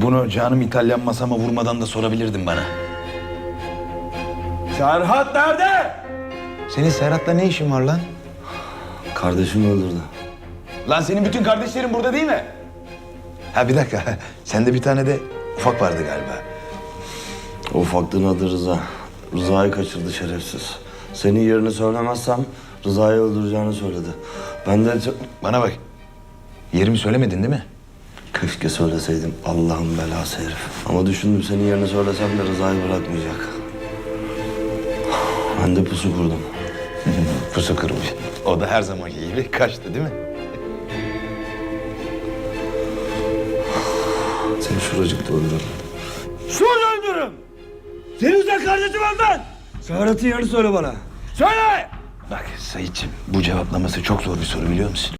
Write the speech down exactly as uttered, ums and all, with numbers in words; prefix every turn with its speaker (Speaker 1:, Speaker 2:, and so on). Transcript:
Speaker 1: Bunu canım İtalyan masama vurmadan da sorabilirdin bana.
Speaker 2: Serhat nerede?
Speaker 1: Senin Serhat'la ne işin var lan?
Speaker 3: Kardeşimi öldürdü.
Speaker 1: Lan senin bütün kardeşlerin burada değil mi? Ha bir dakika. Sende bir tane de ufak vardı galiba.
Speaker 3: O ufaklığın adı Rıza. Rıza'yı kaçırdı şerefsiz. Senin yerini söylemezsem Rıza'yı öldüreceğini söyledi. Ben de çok...
Speaker 1: Bana bak. Yerimi söylemedin değil mi?
Speaker 3: Keşke söyleseydim. Allah'ın belası herif. Ama düşündüm senin yerini söylesem de Rıza'yı bırakmayacak. Ben de pusu kurdum.
Speaker 1: Pusu kırmış. O da her zamanki gibi kaçtı değil mi?
Speaker 3: Seni şuracıkta öldürürüm.
Speaker 2: Şurada öldürürüm. Senin sen kardeşim öldün. Serhat'ın yerini söyle bana. Söyle!
Speaker 1: Bak Sayit'ciğim bu cevaplaması çok zor bir soru biliyor musun?